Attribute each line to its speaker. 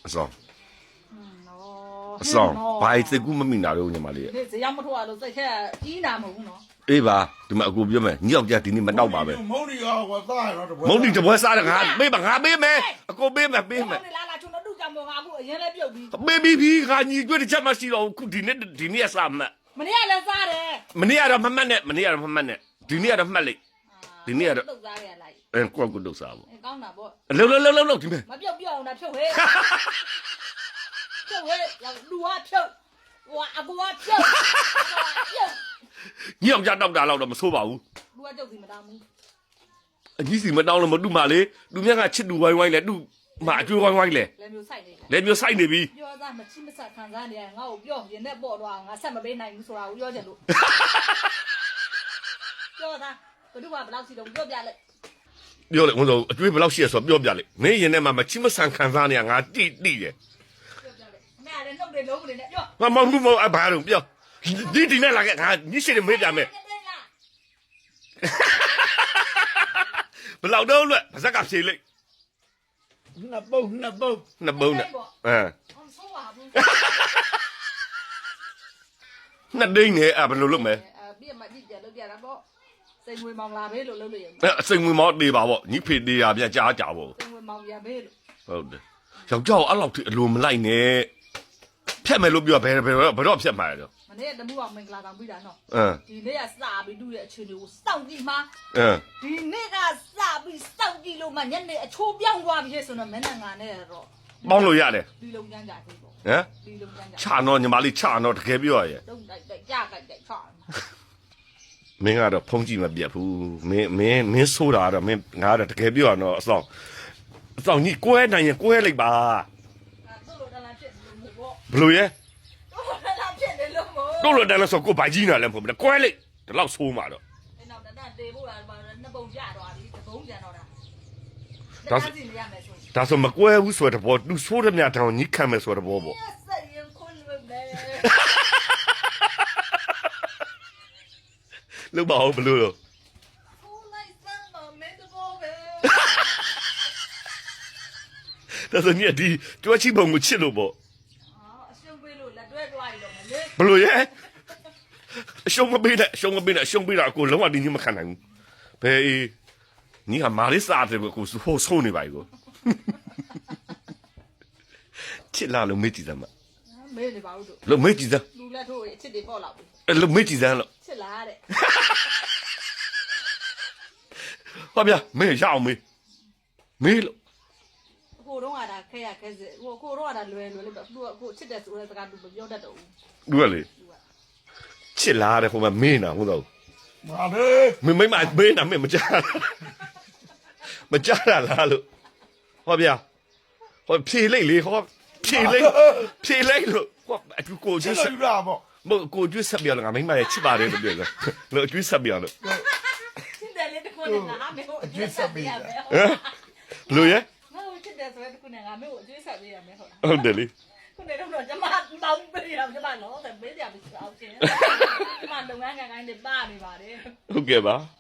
Speaker 1: အဆောင်ဘာစိတ်ကူးမမိနာတော့ညီမလေး
Speaker 2: ဒီဇေယျမထိုးရလို့စိတ်ထဲကြီးနာမဟုတ်ဘူးနော်
Speaker 1: အေးပါဒီမှာအကူပြောမယ်ညောက်ကြဒီနေ့မတော့ပါပဲ
Speaker 3: မုံဒီရောကွာသားရတော့
Speaker 1: မုံဒီတပွဲစားတယ်ငါပေးပါငါပေးမယ်အကူပေးမယ်ပေးမယ်
Speaker 2: လာချုံတော့တူကြောင်ပေါ်ငါအခုအရင်လဲပြုတ်ပြီး
Speaker 1: ပေးပြီးငါညီကျွတ်တစ်ချက်မှရှိတော့ခုဒီနေ့အစားမှတ်
Speaker 2: မနေ့ကလည်းစားတယ်
Speaker 1: မနေ့ကတော့မမှတ်နဲ့မနေ့ကတော့မမှတ်နဲ့ဒီနေ့ကတော့မှတ်လိုက်ဒီနေ့ကတော့
Speaker 2: တုတ်စားရလိုက်
Speaker 1: ကိုယ့်ကိုတုတ်စားပေါ့
Speaker 2: ကောင်းတာပေါ့
Speaker 1: လှုပ်ဒီမဲ့
Speaker 2: မပြုတ်အောင်တာဖြုတ်ဟဲ့ဖြုတ်ဟဲ့လူကဖြုတ်ဟိုအကူကဖြုတ်
Speaker 1: ညောက်ကြတောက်တာတော့မဆိုးပါဘူး
Speaker 2: လူကကျုပ်စီမတောင်းဘူး
Speaker 1: အကြီးစီမတောင်းလို့မတူမလေးလူမြတ်ကချစ်တူဝိုင်းဝိုင်းလဲတူမအကျွေးဝိုင်းဝိုင်းလဲ
Speaker 2: လည်းမျိုးဆိုင်နေတယ်
Speaker 1: လဲမျိုးဆိုင်နေပြီ
Speaker 2: ပြောသားမချိမဆက်ခံစားနေရငါ့ကိုပြောရင်နဲ့ပေါ့တော့ငါဆက်မပေးနိုင်ဘူးဆိုတာကိုပြောချင်လို့ပြောသားဘယ်သူမှဘယ်လောက်စီတော့ပြောပြလိုက်
Speaker 1: ပြောလေဝန်ဆောင်အကျွေးဘယ်လောက်ရှိရဆိုပြောပြလေမင်းရင်ထဲမှာမချိမဆန်ခံစားနေရငါတိတယ်
Speaker 2: ပြောပြလိုက်မင်းလည်းနှုတ်တယ်လုံးတယ်နဲ့ပြော
Speaker 1: မမဘာလို့ပြောဒီနဲ့လာခဲ့ငါညရှိတယ်မေးပြမယ်ဘယ်လောက်တော့လဲပါဇက်ကဖြေလိုက်
Speaker 3: နှစ်ပုံ
Speaker 1: နှစ်ပုံနဲ့
Speaker 2: ဆိုးပါဘူး
Speaker 1: နှစ်ဒိန်းနဲ့ဘယ်လိုလုပ်မလဲ
Speaker 2: ပြည့်မကြည့်ကြလို့ပြတာပေါ့စိန်ငွေမောင်လာဘေးလို့လုပ်လို့ရ
Speaker 1: အစိမ်ဝင်မောတေးပါပေါ့ညီဖေတေးရပြန်ကြားကြပေါ့
Speaker 2: စိန်ငွေမောင်ရဘေးလို့
Speaker 1: ဟုတ်တယ်ယောက်ျားကိုအဲ့လောက်ထိအလိုမလိုက်နဲ့ဖြတ်မယ်လို့ပြောဘယ်တော့ဖြတ်မှာလဲတော့
Speaker 2: မနေ့တမှုအောင်မင်္ဂလာတောင်ပြီးတာနော်
Speaker 1: အ
Speaker 2: ဒီနေ့ကစပြီးတူတဲ့အခြေအနေကိုစောင့်ကြည့်မှာ
Speaker 1: င်း
Speaker 2: ဒီနေ့ကစပြီးစောင့်ကြည့်လို့မှညနေအချိုးပြောင်းသွားပြီဆိုတော့မင်းနဲ့ငါနဲ့တော့
Speaker 1: ပေါင်းလို့ရတယ်
Speaker 2: ဒီလုံကျန်းကြသေးပေါ့
Speaker 1: ဟမ်
Speaker 2: ဒီလုံကျန်းကြ
Speaker 1: ချာတော့ညီမလေးချာတော့တကယ်ပြောရရဲ့
Speaker 2: တုံးတိုက်ကြကြိုက်ချာ
Speaker 1: မင်းကတော့ဖုံးကြည့်မပြတ်ဘူးမင်းဆိုးတာတော့မင်းငါကတော့တကယ်ပြောရတော့အဆောင်ညီကွဲနိုင်ရင်ကွဲလိုက်ပါ
Speaker 2: တို့လိုတလားဖြစ်လို့ပေါ့
Speaker 1: ဘလို့ရဲ
Speaker 2: တို့လိုတလားဖြစ်တယ်လို့ပေါ့
Speaker 1: တို့လိုတန်းလို့ဆိုကိုဗိုက်ကြီးနာလည်းမဟုတ်ဘူးကွဲလိုက်ဒီလောက်ဆိုးမှာတော့
Speaker 2: အဲ့နောက်တန်းတေဖို့လားနှစ်ပုံကြတော့ပြီသဘုံကြတော့တာ
Speaker 1: ဒါ
Speaker 2: စီနေရမယ်ဆို
Speaker 1: ဒါဆိုမကွဲဘူးဆိုတဲ့ဘောသူဆိုးတဲ့မြတ်တောင်ညီခံမယ်ဆိုတဲ့ဘောပေါ့
Speaker 2: ဆက်ရင်ခွန်းလို့ပဲ
Speaker 1: လို့ပါအောင်ဘလို့လို့
Speaker 2: ဟိုလိုက်စမ်းမမင်းတော့ပဲ
Speaker 1: ဒါဆိုညီဒီကျွတ်ချိပုံကိုချစ်လို့ပေါ့
Speaker 2: အရှုံးပေးလို့လက်တွဲတွားရတော့မလေး
Speaker 1: ဘလို့ရဲအရှုံးမပေးနဲ့အရှုံးပေးတာကိုလုံးဝဒီညီမခံနိုင်ဘူးဘယ်ညီကမာလေးစားတယ်ကိုဟိုဆိုးနေပါ ਈ ကိုချစ်လာလို့မေ့ကြည့်စမ်းမ
Speaker 2: မေးနေပါဦးတို့
Speaker 1: လို့မေ့ကြည့်စမ်း
Speaker 2: လူလက်ထိုးရအချစ်တွေပေါ့လောက်ပြီ
Speaker 1: အဲ့လို့မေ့ကြည့်စမ်းလို့
Speaker 2: ချစ်လာတဲ့
Speaker 1: ဟောဗျာမေ့ရအောင်မေ့လို့
Speaker 2: ကိုတော့ကတာခဲရခဲစစ်ကိုတော့ကတာလွယ်လေးပဲသူကကိုချစ်တယ်ဆိုတဲ့စကားသူမပြောတတ်တော့ဘူး
Speaker 1: ดูလေချစ်လာတယ်ဟိုမှာမေးနာဟုတ်တော့
Speaker 3: မာလေ
Speaker 1: မင်းမမေးနာမင်းမကြားလားလို့ဟောဗျာဟောဖြေလိုက်လေဟောဖြေလိုက်လို့ဟောအကူကို
Speaker 3: ချ
Speaker 1: ကျွ
Speaker 3: စ်
Speaker 1: တ်ဆက်
Speaker 3: လို့ရပေါ့
Speaker 1: မကိုကျွတ်ဆက်ပြောငါမင်းမရဲ့ချစ်ပါတယ်လို့ပြောတယ်လို့ကျွတ်ဆက်ပြောလို့
Speaker 2: ချစ်တယ်လေတခုနဲ့ငါမေကိုအကျွေးဆက်ပေးရမယ်
Speaker 1: ဟမ်လို့ရဲ
Speaker 2: ငါ့ကိုချစ်တယ်ဆိုတဲ့တခုနဲ့ငါမေကိုအကျွေးဆက်ပေးရမယ်ဟုတ်လား
Speaker 1: ဟုတ်တယ်လေ
Speaker 2: ခုနေတော့ကျမတောင်းပေးရကျမတော့ပေးကြပြီဆိုအောင်ချင်းကျမလုပ်ငန်းကိုင်းနေပါနေပါတယ်
Speaker 1: ဟုတ်ကဲ့ပါ